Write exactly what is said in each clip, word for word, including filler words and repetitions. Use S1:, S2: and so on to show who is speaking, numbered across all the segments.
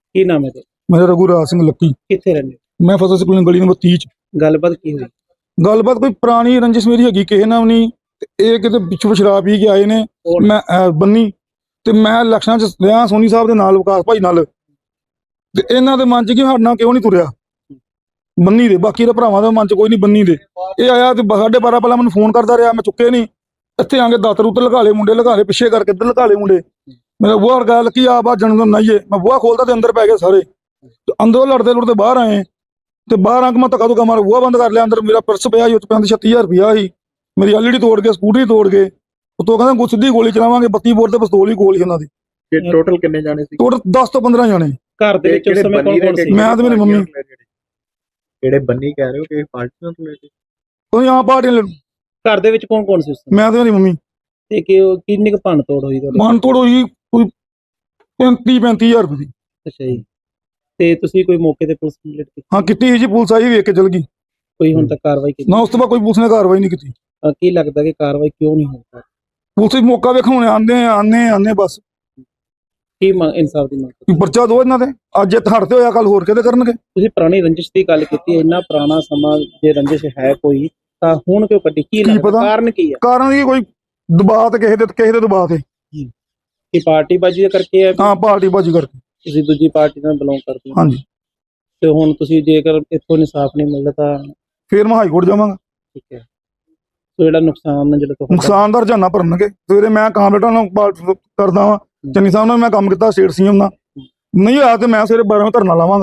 S1: ਕੀ ਨਾਮ ਹੈ ਤੇ
S2: मेरा रघुराज सिंह लक्की।
S1: ਕਿੱਥੇ ਰਹਿੰਦੇ
S2: मैं फतेह सिंह कॉलोनी गली नंबर तीह च।
S1: ਗੱਲਬਾਤ ਕੀ ਹੋਈ?
S2: गलबात कोई पुरानी रंजिश मेरी हैगी किसी नाल नहीं। ते ये किते पिछों शराब पी के आए ने।
S1: कौन?
S2: मैं अ, बन्नी ते मैं इलैक्शनां च रहा सोनी साहब दे नाल विकास भाई नाल ते इन्हां दे मन च कि साडे नाल क्यों नहीं तुरिया बन्नी दे, बाकी दे भरावां दे मन च कोई नहीं बन्नी दे। ये आया ते साढ़े बारह पहला मैनूं फोन करदा रहा, मैं चुके नहीं। इत्थे आके दातर उत्तर लगा ले मुंडे, लगा ले पिछे करके इधर लगा ले मुंडे। मेरा बुआ गल की आ बा जन्मदिन नाइए, मैं बुआ खोलता ते अंदर पै गए सारे। ते अंदरों लड़ते लुड़ते बाहर आए ते बाहर आके मैं धक्का धुक्का मार बुआ बंद कर लिया। अंदर मेरा पर्स पिया ही, पैंती छत्ती हज़ार रुपया ही, मेरी एल ई डी तोड़ के स्कूटरी तोड़ के उतों कहंदे कुछ सीधी गोली चलावांगे, बत्ती बोर ते पिस्तौल ही कोल ही उन्हां दी।
S3: टोटल कितने जाने सी?
S2: टोटल दस तो पंद्रह जाने।
S1: ਘਰ ਦੇ ਵਿੱਚ ਉਸ ਸਮੇਂ ਕੌਣ ਕੌਣ ਸੀ?
S2: मैं ते मेरी मम्मी।
S3: ਜਿਹੜੇ ਬੰਨੀ ਕਹਿ ਰਹੇ ਹੋ ਕਿ ਪਾਰਟੀ ਨਾਲ ਰਿਲੇਟਡ?
S2: कोई यहाँ पार्टी
S1: ਘਰ ਦੇ ਵਿੱਚ ਕੌਣ ਕੌਣ ਸੀ ਉਸ ਸਮੇਂ?
S2: मैं ते मेरी मम्मी।
S1: ਤੇ ਕਿ ਉਹ ਕਿੰਨੀ ਕੁ ਭੰਨ ਤੋੜ ਹੋਈ ਤੁਹਾਡੇ?
S2: मान तोड़ होई कोई पैंती पैंती हज़ार रुपये दी।
S1: ਅੱਛਾ ਜੀ। ਤੇ ਤੁਸੀਂ ਕੋਈ मौके ਤੇ ਪੁਲਿਸ ਕੰਪਲੀਟ ਕੀਤੀ?
S2: हाँ कितनी जी पुलिस आई वेख के चल गई
S1: ਕੋਈ ਹੁਣ ਤੱਕ ਕਾਰਵਾਈ ਕੀਤੀ?
S2: ना, उस तो बाद कोई पुलिस ने कार्रवाई नहीं की।
S1: ਅਹ ਕੀ ਲੱਗਦਾ ਕਿ ਕਾਰਵਾਈ ਕਿਉਂ ਨਹੀਂ ਹੋ ਰਹੀ?
S2: पुलिस मौका वेखण आने आने आने बस
S1: ਕੀ ਮੰਗ ਇਨਸਾਫ ਦੀ ਮੰਗ ਕਰਦੇ?
S2: पर्चा दो इन्हां दे। अज इत्थे हड़ते होया कल होर किते करनगे।
S1: ਤੁਸੀਂ ਪੁਰਾਣੀ ਰੰਜਿਸ਼ ਦੀ ਗੱਲ ਕੀਤੀ ਹੈ, ਇੰਨਾ ਪੁਰਾਣਾ ਸਮਾਂ ਜੇ ਰੰਜਿਸ਼ ਹੈ ਕੋਈ ਤਾਂ ਹੁਣ ਕਿਉਂ ਕੱਢੀ? ਕੀ ਲੱਗਦਾ
S2: ਪਤਾ?
S1: ਕਾਰਨ ਕੀ ਹੈ?
S2: कारण की कोई दबाव ते किसी दे किसी दे दबाव ते।
S1: ਕਿ ਪਾਰਟੀਬਾਜ਼ੀ ਕਰਕੇ ਹੈ?
S2: हाँ पार्टी बाजी करके।
S1: ਤੁਸੀਂ ਦੂਜੀ ਪਾਰਟੀ ਨਾਲ ਬਿਲੋਂਗ ਕਰਦੇ ਹੋ
S2: हाँ जी,
S1: ਤੇ ਹੁਣ ਤੁਸੀਂ ਜੇਕਰ ਇੱਥੋਂ ਇਨਸਾਫ ਨਹੀਂ ਮਿਲਦਾ ਤਾਂ
S2: फिर मैं हाई कोर्ट जावांगा।
S1: ਠੀਕ ਹੈ। ਸੋ ਜਿਹੜਾ ਨੁਕਸਾਨ ਹੈ ਜਿਹੜਾ ਤੁਹਾਡਾ
S2: नुकसान दा रजाना भरनगे। सवेरे मैं कामरेडा नाल बात करदा वां, चन्नी साहब नाल मैं काम कीता स्टेट सीएम नाल, नहीं होया ते मैं सवेरे बारह धरना लावांगा।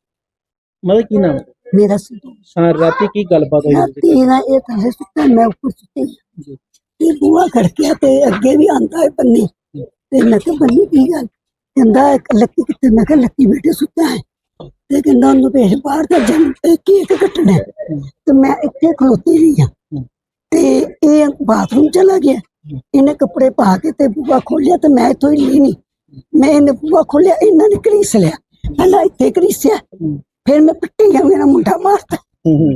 S1: ਮਤਲਬ ਕੀ ਨਾਮ ਹੈ?
S4: मेरा सिद्धू
S1: ਹਾਂ, ਰਾਤੀ ਕੀ ਗੱਲਬਾत ਹੋਈ?
S4: राती ना ये थल्ले सुत्ता, मैं ऊपर सुत्ती
S1: जी।
S4: ते बुआ खड़किया ते अगे भी आंदा है बन्नी ते मैं कहा बन्नी की गल कहंदा है लक्की कित्ते? मैं कहा लक्की बेटे सुत्ता है ते कहंदा ओनू भेज बाहर दा जन केक कट्टना है। ते मैं इत्थे खलोती रही हां ते ये बाथरूम चला गया। इन्हें कपड़े पा के ते बुआ खोलिया ते मैं इत्थों हिल्ली नहीं। मैं इन्हें बुआ खोलिया, इन्हां ने घड़ीस लिया, पहला इत्थे घड़ीसिया, फिर मैं पिट्टी गया, मेरा मुंडा मारता।
S1: ਹੂੰ ਹੂੰ।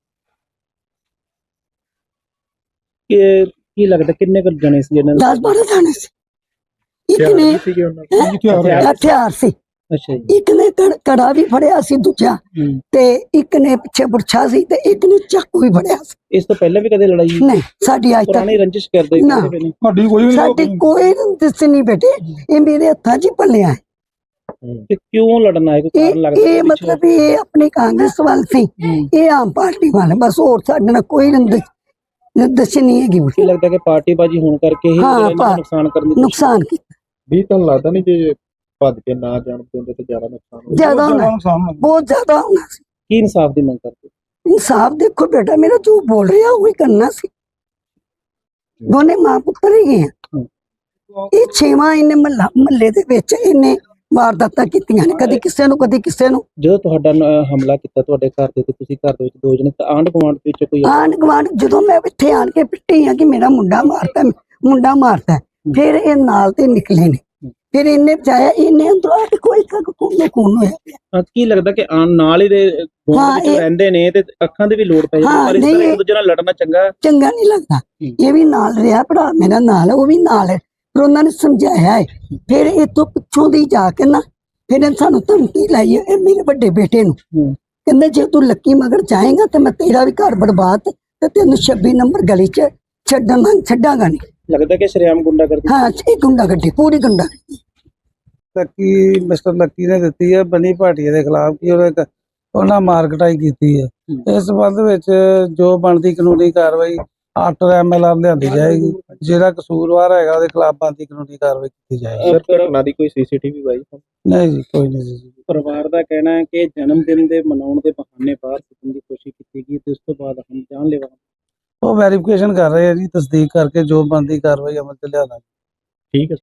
S1: ਕਿ ਕੀ ਲੱਗਦਾ ਕਿੰਨੇ ਕੁ ਜਣੇ ਸੀ ਇਹਨਾਂ
S4: दस बारह जाने से एक ने
S3: ਸੀਗੇ ਉਹਨਾਂ
S1: ਹਥਿਆਰ?
S4: हथियार से
S1: ਅੱਛਾ ਜੀ।
S4: एक ने कड़- कड़ा भी फड़िया सी दूजा
S1: ਹੂੰ।
S4: ते एक ने पिछे बुरछा सी ते एक ने चाकू भी फड़िया सी।
S1: ਇਸ ਤੋਂ ਪਹਿਲਾਂ ਵੀ ਕਦੇ ਲੜਾਈ?
S4: नहीं साडी आज तक
S1: ਪੁਰਾਣੀ ਰੰਜਿਸ਼ ਕਰਦੇ
S4: ਨਾ।
S1: ਕਿਸੇ ਨੇ?
S2: साडी कोई नहीं
S4: साडी कोई दिस नहीं बेटे, ये मेरे हथा च पलिया है।
S1: ਕਿ ਕਿਉਂ लड़ना है? कोई
S4: ये
S1: कारण लगता
S4: ये
S1: है
S4: मतलब ये अपनी कांग्रेस वाल सी, ये आम पार्टी वाले बस, और साडे नाल कोई रंजिश रंजिश नहीं हैगी।
S1: ਕੀ ਲੱਗਦਾ ਕਿ ਪਾਰਟੀਬਾਜ਼ੀ ਹੋਣ ਕਰਕੇ ਹੀ
S4: ਹਾਂ,
S1: ਇਹਨਾਂ ਨੂੰ
S4: ਪਾ-
S1: ਨੁਕਸਾਨ ਕਰਨ ਦੀ ਕੋਸ਼ਿਸ਼?
S4: नुकसान की
S3: ਵੀ ਤੁਹਾਨੂੰ ਲੱਗਦਾ ਨਹੀਂ ਜੇ ਭੱਜ ਕੇ ਨਾ ਜਾਣ ਦਿੰਦੇ ਤਾਂ ਜ਼ਿਆਦਾ ਨੁਕਸਾਨ ਹੋ
S4: ज्यादा
S2: बहुत
S4: होना,
S2: ज्यादा नुकसान होना।
S4: बहुत ज्यादा होना सी।
S1: ਕੀ ਇਨਸਾਫ ਦੀ ਮੰਗ ਕਰਦੇ?
S4: इंसाफ देखो बेटा, मेरा जो बोल रहे हैं वही करना सी। दोने मां पुत्र ही हैं। ये छेवां इन्हें महला महल्ले दे विच इन्हें वारदातां कीतियां ने, कदी किसे नूं कदी किसे नूं।
S1: ਜਦੋਂ ਤੁਹਾਡਾ ਨ- ਹਮਲਾ ਕੀਤਾ ਤੁਹਾਡੇ ਘਰ ਦੇ ਤੇ ਤੁਸੀਂ ਘਰ ਦੇ ਵਿੱਚ ਦੋ ਜਣੇ ਤਾਂ ਆਂਢ ਗੁਆਂਢ ਦੇ ਵਿੱਚ ਕੋਈ?
S4: आंढ गुआंढ जदों मैं इत्थे आन के पिट्टी हां कि मेरा मुंडा मारता है, मुंडा मारता है, फिर ये नाल ते निकले ने, फिर इन्हें बचाया, इन्हें अंदरों आके कोई का खून खून होया पिया।
S1: ਹਾਂ, ਕੀ ਲੱਗਦਾ ਕਿ ਆਣ ਨਾਲ ਹੀ ਦੇ ਗੁਆਂਢ
S4: ਹਾਂ,
S1: ਵਿੱਚ
S4: ਇਹ-
S1: ਰਹਿੰਦੇ ਨੇ ਤੇ ਅੱਖਾਂ ਦੀ ਵੀ ਲੋੜ ਪੈ ਜਾਂਦੀ,
S4: ਹਾਂ,
S1: ਪਰ ਇਸ ਤਰ੍ਹਾਂ
S4: ਨਹੀਂ,
S1: ਇੱਕ ਦੂਜੇ ਨਾਲ ਲੜਨਾ ਚੰਗਾ?
S4: चंगा नहीं लगता।
S1: हम्म।
S4: ये भी नाल रहा भरा मेरा नाल है, वो भी नाल है, फिर उन्होंने समझाया है। फिर इतों पिछों दी जाके ना फिर सानू धमकी लाई है मेरे बड़े बेटे नू,
S1: ਹੂੰ।
S4: कहंदे जे तू लक्की मगर जाएगा तो मैं तेरा भी घर बर्बाद ते तेन छब्बी नंबर गली च छड्डना छड्डांगा नहीं।
S1: ਲੱਗਦਾ ਕਿ ਸ਼ਰੇਆਮ ਗੁੰਡਾ ਕਰਦੇ?
S4: हाँ ये गुंडा गड्डी पूरी गुंडा
S5: ਲੱਕੀ ਮਿਸਟਰ ਲੱਕੀ ਨੇ ਦਿੱਤੀ ਹੈ ਬਨੀ ਭਾਟੀਆ ਦੇ ਖਿਲਾਫ ਕਿ ਉਹਨੇ ਉਹਨਾਂ ਮਾਰ ਕਟਾਈ ਕੀਤੀ ਹੈ। ਇਸ ਸੰਬੰਧ ਵਿੱਚ ਜੋ ਬਣਦੀ ਕਾਨੂੰਨੀ ਕਾਰਵਾਈ ਆਫਟਰ ਐਮਐਲਆਰ ਲਿਆਂਦੀ ਜਾਏਗੀ। ਜਿਹੜਾ ਕਸੂਰਵਾਰ ਹੈਗਾ ਉਹਦੇ ਖਿਲਾਫ ਬਣਦੀ ਕਾਨੂੰਨੀ ਕਾਰਵਾਈ ਕੀਤੀ ਜਾਏਗੀ।
S3: ਸਰ ਘਟਨਾ ਦੀ ਕੋਈ ਸੀਸੀਟੀਵੀ ਬਾਈ?
S5: ਨਹੀਂ ਜੀ ਕੋਈ ਨਹੀਂ ਜੀ।
S1: ਪਰਿਵਾਰ ਦਾ ਕਹਿਣਾ ਹੈ ਕਿ ਜਨਮ ਦਿਨ ਦੇ ਮਨਾਉਣ ਦੇ ਬਹਾਨੇ ਬਾਹਰ ਸੁੱਟਣ ਦੀ ਕੋਸ਼ਿਸ਼ ਕੀਤੀ ਗਈ ਤੇ ਉਸ ਤੋਂ ਬਾਅਦ ਹਮ ਜਾਨਲੇਵਾ।
S5: ਉਹ ਵੈਰੀਫਿਕੇਸ਼ਨ ਕਰ ਰਹੇ ਆ ਜੀ, ਤਸਦੀਕ ਕਰਕੇ ਜੋ ਬਣਦੀ ਕਾਰਵਾਈ ਅਮਲ ਚ ਲਿਆਣਾ।
S3: ਠੀਕ ਹੈ।